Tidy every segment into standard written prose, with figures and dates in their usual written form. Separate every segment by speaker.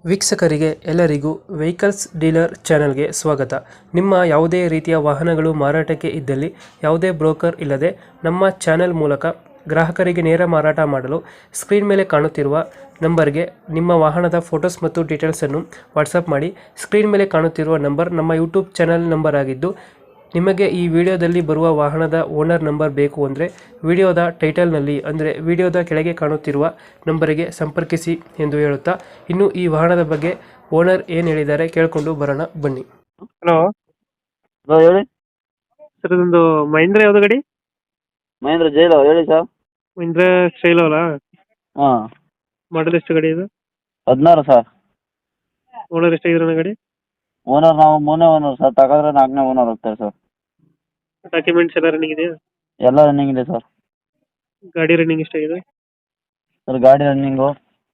Speaker 1: ವೀಕ್ಷಕರಿಗೆ ಎಲ್ಲರಿಗೂ vehicles dealer ಚಾನೆಲ್ಗೆ ಸ್ವಾಗತ. ನಿಮ್ಮ ಯಾವುದೇ ರೀತಿಯ ವಾಹನಗಳು ಮಾರಾಟಕ್ಕೆ ಇದ್ದಲ್ಲಿ ಯಾವುದೇ ಬ್ರೋಕರ್ ಇಲ್ಲದೆ ನಮ್ಮ ಚಾನೆಲ್ ಮೂಲಕ ಗ್ರಾಹಕರಿಗೆ ನೇರ ಮಾರಾಟ ಮಾಡಲು ಸ್ಕ್ರೀನ್ ಮೇಲೆ ಕಾಣುತ್ತಿರುವ ನಂಬರ್ಗೆ ನಿಮ್ಮ ವಾಹನದ ಫೋಟೋಸ್ ಮತ್ತು ಡೀಟೇಲ್ಸನ್ನು ವಾಟ್ಸಪ್ ಮಾಡಿ. ಸ್ಕ್ರೀನ್ ಮೇಲೆ ಕಾಣುತ್ತಿರುವ ನಂಬರ್ ನಮ್ಮ ಯೂಟ್ಯೂಬ್ ಚಾನೆಲ್ ನಂಬರ್ ಆಗಿದ್ದು, ನಿಮಗೆ ಈ ವಿಡಿಯೋದಲ್ಲಿ ಬರುವ ವಾಹನದ ಓನರ್ ನಂಬರ್ ಬೇಕು ಅಂದರೆ ವಿಡಿಯೋದ ಟೈಟಲ್ನಲ್ಲಿ ಅಂದರೆ ವಿಡಿಯೋದ ಕೆಳಗೆ ಕಾಣುತ್ತಿರುವ ನಂಬರಿಗೆ ಸಂಪರ್ಕಿಸಿ ಎಂದು ಹೇಳುತ್ತಾ, ಇನ್ನು ಈ ವಾಹನದ ಬಗ್ಗೆ ಓನರ್ ಏನು ಹೇಳಿದ್ದಾರೆ ಕೇಳಿಕೊಂಡು ಬರೋಣ ಬನ್ನಿ. ಹಲೋ
Speaker 2: ಹಲೋ ಹೇಳಿ.
Speaker 1: ಸರ್, ಇದೊಂದು ಮಹೀಂದ್ರ ಯಾವುದು ಗಾಡಿ?
Speaker 2: ಮಹೇಂದ್ರ ಜೈಲ ಹೇಳಿ ಸರ್.
Speaker 1: ಮಹೀಂದ್ರ ಸ್ಟೈಲ್ ಅಲ್ಲ,
Speaker 2: ಹಾಂ,
Speaker 1: ಮಾಡಲ್ ಎಷ್ಟು ಗಾಡಿ ಇದು?
Speaker 2: 16 ಸರ್.
Speaker 1: ಓನರ್ ಎಷ್ಟಾಗಿರೋಣ ಗಾಡಿ?
Speaker 2: ಓನರ್ ನಾವು 3ನೇ ಓನರ್ ಸರ್. ತಗೊಂಡ್ರೆ 4ನೇ ಓನರ್ ಹೋಗ್ತಾರೆ ಸರ್.
Speaker 1: ಡಾಕ್ಯುಮೆಂಟ್ಸ್ ಎಲ್ಲ ರನ್ನಿಂಗ್ ಇದೆಯಾ?
Speaker 2: ಎಲ್ಲ ರನ್ನಿಂಗ್ ಇದೆ ಸರ್.
Speaker 1: ಗಾಡಿ ರನ್ನಿಂಗ್ ಎಷ್ಟಾಗಿದೆ?
Speaker 2: ಸರ್ ಗಾಡಿ ರನ್ನಿಂಗು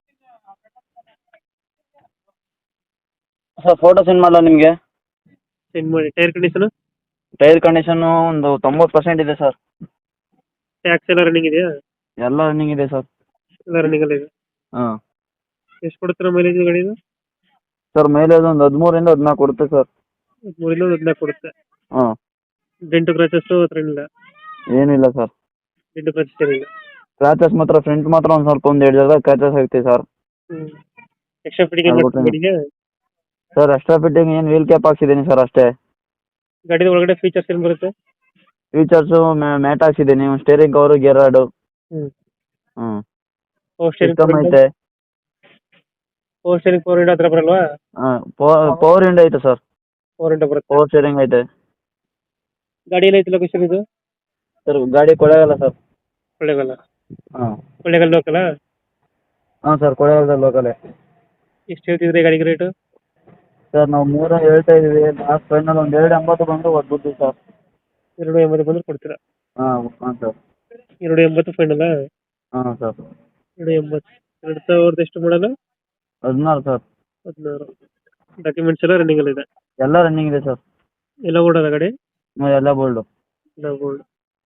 Speaker 2: ಸರ್ ಫೋಟೋ ಸೆಂಡ್ ಮಾಡಲ ನಿಮಗೆ?
Speaker 1: ಸೆಂಡ್ ಮಾಡಿ. Tyre condition?
Speaker 2: ಟೈರ್ ಕಂಡೀಷನ್ನು ಒಂದು 90% ಇದೆ ಸರ್.
Speaker 1: ಟ್ಯಾಕ್ಸ್ ಎಲ್ಲ ರನ್ನಿಂಗ್ ಇದೆಯಾ?
Speaker 2: ಎಲ್ಲ ರನ್ನಿಂಗ್ ಇದೆ ಸರ್.
Speaker 1: ಎಲ್ಲ ರನ್ನಿಂಗ್ ಅಲ್ಲ ಇದೆ.
Speaker 2: ಹಾಂ
Speaker 1: ಎಷ್ಟು ಕೊಡ್ತೀರಾ ಮೈಲೇಜ್ ಗಾಡಿದು?
Speaker 2: ಸರ್ ಮೈಲೇಜ್ ಒಂದು 13ರಿಂದ 14 ಕೊಡುತ್ತೆ ಸರ್.
Speaker 1: 3ರಿಂದ 14 ಕೊಡುತ್ತೆ.
Speaker 2: ಹಾಂ,
Speaker 1: ಡೆಂಟು ಕ್ರಾಚಸ್ ಹತ್ರ ಏನಿಲ್ಲ?
Speaker 2: ಏನಿಲ್ಲ ಸರ್.
Speaker 1: ಡೆಂಟು ಕ್ರಾಚಸ್ ಏನಿಲ್ಲ.
Speaker 2: ಕ್ರ್ಯಾಚಸ್ ಮಾತ್ರ ಫ್ರಂಟ್ ಮಾತ್ರ ಒಂದು ಸ್ವಲ್ಪ ಒಂದು 2 ಜಾಗ ಕ್ರ್ಯಾಚಸ್ ಆಗ್ತದೆ ಸರ್.
Speaker 1: ಎಕ್ಸ್ಟ್ರಾ ಫಿಟ್ಟಿಂಗ್ ಏನು ಮಾಡ್ತೀರಾ ಗಾಡಿಗೆ?
Speaker 2: ಸರ್ ಎಕ್ಸ್ಟ್ರಾ ಫಿಟ್ಟಿಂಗ್ ಏನು ವೀಲ್ ಕ್ಯಾಪ್ ಹಾಕ್ಸಿದ್ದೀನಿ ಸರ್ ಅಷ್ಟೇ.
Speaker 1: ಗಾಡಿದ ಒಳಗಡೆ ಫೀಚರ್ಸ್ ಏನು ಬರುತ್ತೆ?
Speaker 2: ಫೀಚರ್ಸು ಮ್ಯಾಟ್ ಹಾಕ್ಸಿದ್ದೀನಿ, ಸ್ಟೇರಿಂಗ್ ಕವರು, ಗೇರ್ ರಾಡು.
Speaker 1: ಹ್ಞೂ.
Speaker 2: ಹ್ಞೂ,
Speaker 1: ಪವರ್
Speaker 2: ಸಿಸ್ಟಮ್ ಐತೆ.
Speaker 1: ಸ್ಟೇರಿಂಗ್ ಪವರ್ ವಿಂಡೋ ಹತ್ರ ಬರಲ್ವಾ?
Speaker 2: ಹಾಂ, ಪವರ್ ವಿಂಡೋ ಐತೆ ಸರ್.
Speaker 1: ಪವರ್ ವಿಂಡೋ ಬರುತ್ತೆ.
Speaker 2: ಪವರ್ ಸ್ಟೇರಿಂಗ್ ಐತೆ.
Speaker 1: ಗಾಡಿ ಎಲ್ಲ ಐತಿ ಲೊಕೇಶನ್ ಇದು?
Speaker 2: ಸರ್ ಗಾಡಿ ಕೊಳ್ಳೇಗಾಲ ಸರ್.
Speaker 1: ಕೊಳ್ಳೇಗಾಲ.
Speaker 2: ಹಾಂ
Speaker 1: ಕೊಳ್ಳೇಗಾಲ ಲೋಕಲ?
Speaker 2: ಹಾಂ ಸರ್, ಕೊಳ್ಳೇಗಾಲದಲ್ಲಿ ಲೋಕಲೇ.
Speaker 1: ಎಷ್ಟು ಹೇಳ್ತಿದ್ರಿ ಗಾಡಿಗೆ ರೇಟು?
Speaker 2: ಸರ್ ನಾವು 3 ಹೇಳ್ತಾ ಇದ್ದೀವಿ. ಲಾಸ್ಟ್ ಫೈನಲ್ ಒಂದು 280 ಬಂದು ಒದ್ಬಿಡ್ತೀವಿ ಸರ್.
Speaker 1: 280 ಬಂದ್ರೆ ಕೊಡ್ತೀರಾ?
Speaker 2: ಹಾಂ ಹಾಂ ಸರ್.
Speaker 1: 280 ಫೈನಲ್ಲ?
Speaker 2: ಹಾಂ ಸರ್.
Speaker 1: 280. 2000 ಎಷ್ಟು ಮಾಡಲ್ಲ?
Speaker 2: 16 ಸರ್.
Speaker 1: 16. ಡಾಕ್ಯುಮೆಂಟ್ಸ್ ಎಲ್ಲ ರನ್ನಿಂಗ್ ಅಲ್ಲಿ ಇದೆ?
Speaker 2: ಎಲ್ಲ ರನ್ನಿಂಗ್ ಇದೆ ಸರ್.
Speaker 1: ಎಲ್ಲ ಓಡೋದ ಗಾಡಿ?
Speaker 2: ಎಲ್ಲ ಬೋಲ್ಡು.
Speaker 1: ಎಲ್ಲ ಗೋಲ್ಡ್.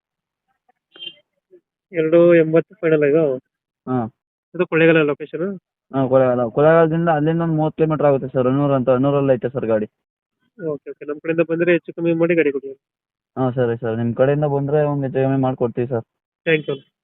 Speaker 1: 280 ಫೈನಲ್ ಇದು?
Speaker 2: ಹಾಂ.
Speaker 1: ಇದು ಕೊಳ್ಳೇಗಾಲ ಲೊಕೇಶನ್?
Speaker 2: ಹಾಂ, ಕೊಳ್ಳೇಗಾಲದಿಂದ ಅಲ್ಲಿಂದ ಒಂದು 30 ಕಿಲೋಮೀಟ್ರ್ ಆಗುತ್ತೆ ಸರ್. ಅಣ್ಣೂರಲ್ಲಿ ಐತೆ ಸರ್ ಗಾಡಿ.
Speaker 1: Okay okay. ನಮ್ಮ ಕಡೆಯಿಂದ ಬಂದರೆ ಹೆಚ್ಚು ಕಮ್ಮಿ ಮಾಡಿ ಗಾಡಿ ಕೊಡಿ.
Speaker 2: ಹಾಂ ಸರಿ ಸರ್, ನಿಮ್ಮ ಕಡೆಯಿಂದ ಬಂದರೆ ಒಂದು ಹೆಚ್ಚು ಕಮ್ಮಿ ಮಾಡಿಕೊಡ್ತೀವಿ ಸರ್.
Speaker 1: Thank you.